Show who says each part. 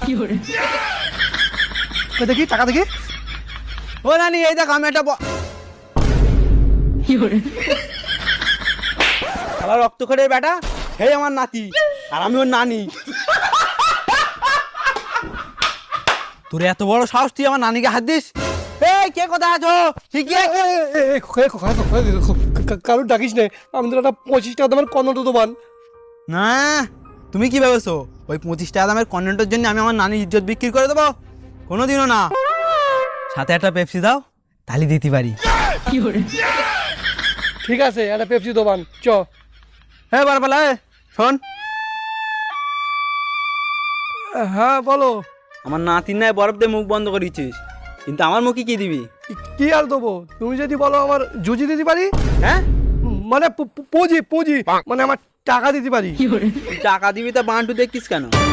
Speaker 1: দেখি টাকা দেখি। ও নানি এই দেখ আমি একটা রক্তখড়ের বেটা, হে আমার নাতি আর আমি ওর নানি। তোর এত বড় সাহস, তুই আমার নানিকে হাত দিস? এই কে কোথায় আছো? ঠিক কারোর ডাকিস নে, আমি তোর একটা 25 টাকা দামের কর্ণট দোকান। না তুমি কি ভেবেছো ওই 25 টাকা দামের কর্ণটের জন্য আমি আমার নানির ইজ্জত বিক্রি করে দেবো? কোনোদিনও না। সাথে একটা পেপসি দাও, তাহলে দিতে পারি। ঠিক আছে, একটা পেপসি দোকান চ। হ্যাঁ বারবালা শোন। হ্যাঁ বলো। আমার নাতির নাই বরফ দিয়ে মুখ বন্ধ করেছিস, কিন্তু আমার মুখে কি দিবি? কি আর দেবো? তুমি যদি বলো আমার জুজি দিতে পারি। হ্যাঁ মানে পুঁজি মানে আমার টাকা দিতে পারি। টাকা দিবি তা বান্টু দেখছিস কেন?